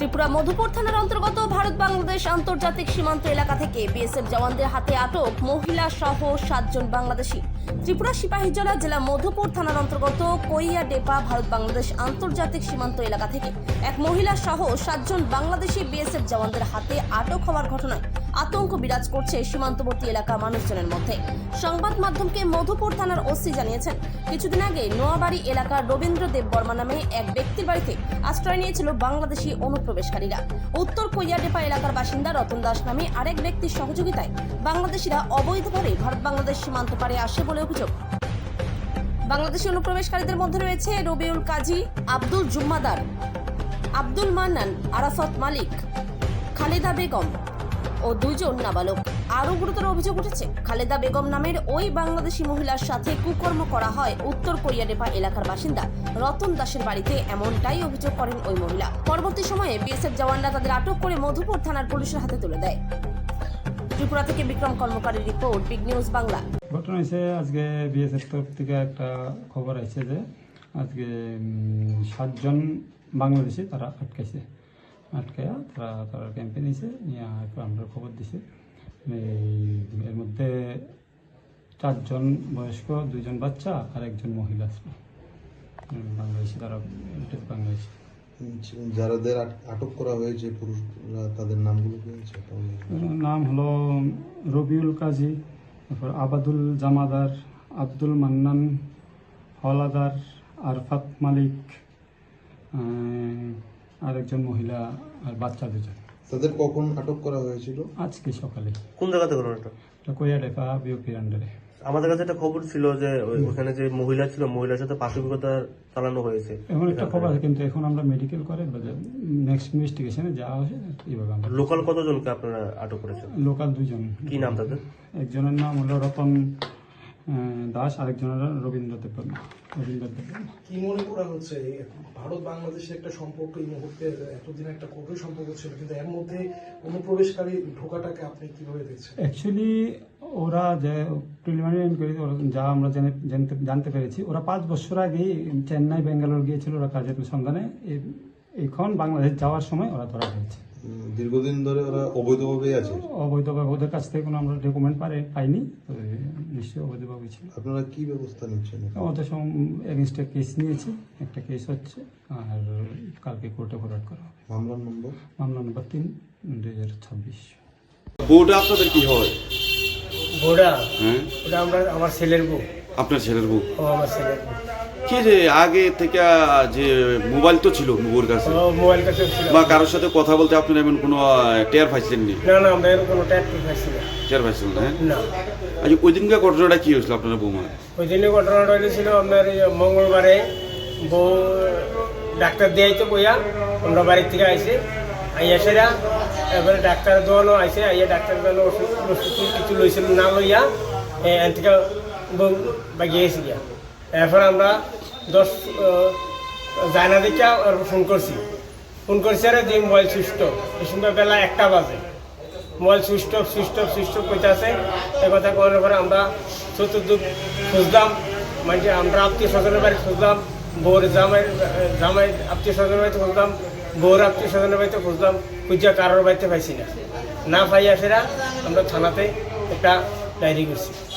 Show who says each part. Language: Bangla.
Speaker 1: ত্রিপুরা মধুপুর থানার অন্তর্গত ভারত বাংলাদেশ আন্তর্জাতিক সীমান্ত এলাকা থেকে বিএসএফ জওয়ানদের হাতে আটক মহিলা সহ 7 জন বাংলাদেশি। ত্রিপুরা সিপাহীজলা জেলা মধুপুর থানার অন্তর্গত কৈয়াডেপা ভারত বাংলাদেশ আন্তর্জাতিক সীমান্ত এলাকা থেকে এক মহিলা সহ 7 জন বাংলাদেশি বিএসএফ জওয়ানদের হাতে আটক হওয়ার ঘটনায় আতঙ্ক বিরাজ করছে সীমান্তবর্তী এলাকার মানুষজনের মধ্যে। সংবাদ মাধ্যমকে মধুপুর থানার ওসি জানিয়েছেন, কিছুদিন আগে নোয়াবাড়ি এলাকার রবীন্দ্র দেব বর্মা নামে এক ব্যক্তির বাড়িতে আশ্রয় নিয়েছিল বাংলাদেশি অনুপ্রবেশকারীরা। উত্তর কৈয়াডেপা এলাকার বাসিন্দা রতন দাস নামে আরেক ব্যক্তির সহযোগিতায় বাংলাদেশিরা অবৈধভাবে ভারত বাংলাদেশ সীমান্ত পারে আসে বলে অভিযোগ। বাংলাদেশি অনুপ্রবেশকারীদের মধ্যে রয়েছে রবিউল কাজী, আব্দুল জুম্মাদার, আব্দুল মান্নান, আরাফাত মালিক, খালেদা বেগম ও 2 জন নাবালক। আরও গুরুতর অভিযোগ উঠেছে, খালেদা বেগম নামের ওই বাংলাদেশি মহিলার সাথে কুকর্ম করা হয় উত্তর কৈয়াডেপা এলাকার বাসিন্দা রতন দাসের বাড়িতে, এমনটাই অভিযোগ করেন ওই মহিলা। পরবর্তী সময়ে বিএসএফ জওয়ানরা তাদের আটক করে মধুপুর থানার পুলিশের হাতে তুলে দেয়। ত্রিপুরা থেকে বিক্রম কর্মকারীর রিপোর্ট, বিগ নিউজ বাংলা।
Speaker 2: ঘটনা হয়েছে আজকে বিএসএফ তরফ থেকে একটা খবর আছে যে আজকে 7 জন বাংলাদেশি তারা আটকায়া তারা ক্যাম্পে নিয়েছে, নিয়ে আমরা খবর দিছি। এর মধ্যে 4 জন বয়স্ক, 2 জন বাচ্চা আর 1 জন মহিলা বাংলাদেশি। তারা বাংলাদেশি
Speaker 3: যাদের আটক করা হয়েছে পুরুষরা, তাদের নামগুলো কি হয়েছে?
Speaker 2: নাম হলো রবিউল কাজী, তারপর আবাদুল জামাদার, আব্দুল মান্নান, হলাদার, আরফাত মালিক, আর 1 জন মহিলা আর বাচ্চা 2 জন।
Speaker 3: তাদের কখন আটক করা হয়েছিল?
Speaker 2: আজকে সকালে।
Speaker 4: কোন জায়গাতে ঘটনাটা?
Speaker 2: কৈয়াডেপা বিওপির আন্ডারে।
Speaker 4: আমাদের কাছে একটা খবর ছিল যে ওখানে যে মহিলা ছিল, মহিলার সাথে পাশবিকতা চালানো হয়েছে।
Speaker 2: এমন একটা খবর আছে, কিন্তু এখন আমরা মেডিকেল করে নেক্সট ইনভেস্টিগেশনে যাওয়া হয়েছে এইভাবে। আমরা
Speaker 4: লোকাল কতজনকে আপনারা আটক করেছেন?
Speaker 2: লোকাল 2 জন।
Speaker 4: কি নাম তাদের?
Speaker 2: একজনের নাম হলো রতন দাস, আরেকজনের রবীন্দ্র দেব বর্মা।
Speaker 5: কি মনে করা হচ্ছে ভারত বাংলাদেশের একটা সম্পর্ক এই মুহূর্তে, এতদিন একটা কঠোর সম্পর্ক ছিল, কিন্তু এর মধ্যে অনুপ্রবেশকারী ঢোকাটাকে আপনি কিভাবে দেখছেন?
Speaker 2: অ্যাকচুয়ালি ওরা যে প্রিলিমিনারি ইনকোয়ারি যা আমরা জানতে পেরেছি, ওরা 5 বছর আগেই চেন্নাই বেঙ্গালোর গিয়েছিল ওরা কাজের সন্ধানে। এখন বাংলাদেশ যাওয়ার সময় ওরা ধরা হয়েছে।
Speaker 3: দীর্ঘদিন ধরে ওরা অবৈধভাবে আছে?
Speaker 2: অবৈধভাবে, ওদের কাছ থেকে কোনো আমরা ডকুমেন্ট পাইনি, নিশ্চয়ই অবৈধভাবে ছিল।
Speaker 3: আপনারা কি ব্যবস্থা নিচ্ছেন?
Speaker 2: আমাদের এগেনস্টে কেস নিয়েছি, একটা কেস হচ্ছে, আর কালকে কোর্টে ফরওয়ার্ড করা হবে।
Speaker 3: মামলা নম্বর
Speaker 2: 3, 2026।
Speaker 6: বউটা আপনাদের কি হয়?
Speaker 7: বউটা?
Speaker 6: হ্যাঁ,
Speaker 7: ওটা আমার ছেলের বউ।
Speaker 6: আপনার ছেলের বউ?
Speaker 7: ও আমার ছেলের বউ।
Speaker 6: কি যে আগে থেকে যে মোবাইল তো ছিল বউর কাছে,
Speaker 7: ও মোবাইল কাছে ছিল,
Speaker 6: বা কারোর সাথে কথা বলতে আপনার এমন কোনো টের পাইছিলেন নি?
Speaker 7: না আমরা এর কোনো ট্যাক্স পাইছি না।
Speaker 6: টের পাইছিলেন না?
Speaker 7: না।
Speaker 6: আচ্ছা, ওই দিনকার ঘটনাটা কি হয়েছিল আপনার বৌমা?
Speaker 7: ওই দিনে ঘটনাটা হয়েছিল আপনার মঙ্গলবারে বউ ডাক্তার দিয়াইতো বইয়া, আমরা বাড়ির থেকে আইসে আইয়া সেরা, এবারে ডাক্তার দোয়ানো আইসে, আইয়া ডাক্তার দোয়ানো ওষুধ কিছু লইছিল না লইয়া এন থেকে বউ বাগিয়েছি গিয়া। এরপর আমরা 10 জানা দেখে ফোন করছি আর যে মোবাইল সুইচ অফ। এই সময় বেলা 1টা বাজে, মোবাইল সুইচ অফ করতে আছে। এ কথা করার পরে আমরা চতুর্দিক খুঁজলাম, মানে আমরা আত্মীয় স্বজনের বাড়ি খুঁজলাম, বউর জামাই আত্মীয় স্বজনের বাড়িতে খুঁজলাম, বউর আত্মীয় স্বজনের বাড়িতে খুঁজলাম, খুঁজা কারোর বাড়িতে পাইছি না। পাইয়া সেরা আমরা থানাতে একটা ডায়েরি করছি।